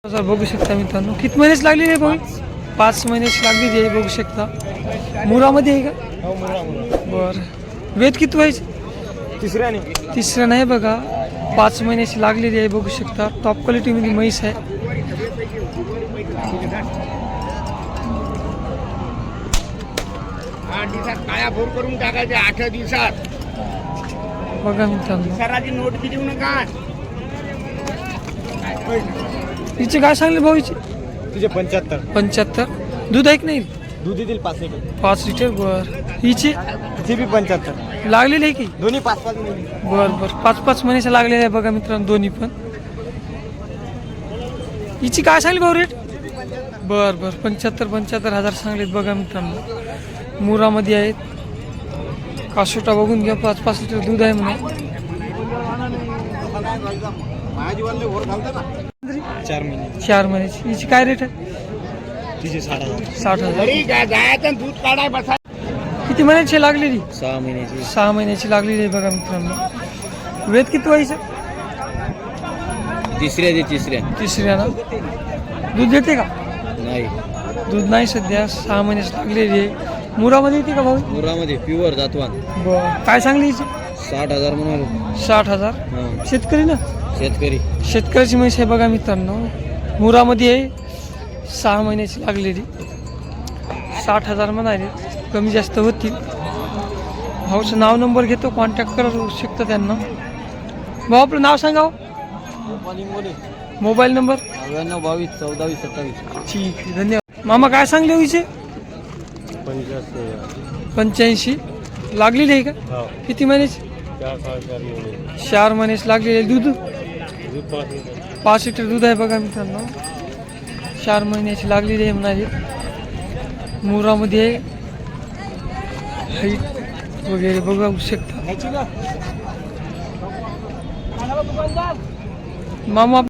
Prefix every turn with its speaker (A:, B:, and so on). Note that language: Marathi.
A: बघू शकता मित्रांनो, किती महिन्याची लागली आहे भाऊ? 5 महिन्याची लागलेली आहे, बघू शकता. मुरामध्ये आहे का? बरं. वेद किती व्हायचे? तिसऱ्या नाही बघा, 5 महिन्याची लागलेली आहे, बघू शकता. टॉप क्वालिटीमध्ये म्हैस आहे.
B: काया भोर करून टाकायचे 8 दिवसात.
A: बघा मित्रांनो,
B: सराची नोट किती देऊ नका.
A: हिचे काय सांगले भाऊ? हिचे
C: तुझे 75
A: दूध आहे की नाही?
C: दूध येतील 5 लिटर.
A: 5 लिटर. बर. हिचे
C: तिचे बी 75
A: लागलेली आहे की?
C: दोन्ही 5 मिनिट.
A: बर बर, 5 महिन्याच्या लागलेल्या आहे बघा मित्रांनो, दोन्ही पण. हिची काय सांगली भाऊ रेट? बर बर, 75,000 सांगलेत बघा मित्रांनो. मुरामध्ये आहेत. कासोटा बघून घ्या, 5 लिटर दूध आहे म्हणे. 4 महिन्याची. हिची काय रेट आहे?
C: तिचे
A: 60,000.
B: घरी जायचं दूध काढाय बसा.
A: किती महिन्याची लागलेली?
C: 6 महिन्याची.
A: 6 महिन्याची लागलेली आहे बघा मित्रांनो. वेद किती व्हायचं? तिसऱ्या ना. दूध देते का?
C: नाही,
A: दूध नाही सध्या. 6 महिन्याची लागलेली आहे. मुरामध्ये येते का भाऊ?
C: मुरामध्ये प्युअर जातवान.
A: बरं. काय सांगली हिची?
C: 60,000 म्हणाले.
A: 60,000. शेतकरी ना? शेतकऱ्याची म्हैस आहे बघा मित्रांनो. मुरामध्ये आहे, 6 महिन्याची लागलेली. 60,000 म्हणाले, कमी जास्त होतील. भाऊचं नाव नंबर घेतो, कॉन्टॅक्ट करू शकता त्यांना. भाऊ आपलं नाव सांगा. Mobile number?
C: 92 22 14 27.
A: ठीक आहे, धन्यवाद. मामा काय सांगले हिचे? 85 लागलेली आहे का? किती महिन्याची? 4 महिन्याची लागलेली आहे. दूध 5 लिटर दूध आहे बघा मित्रांनो. 4 महिन्याची लागलेली आहे म्हणाली. मुरामध्ये हाईट वगैरे बघू शकता. मामा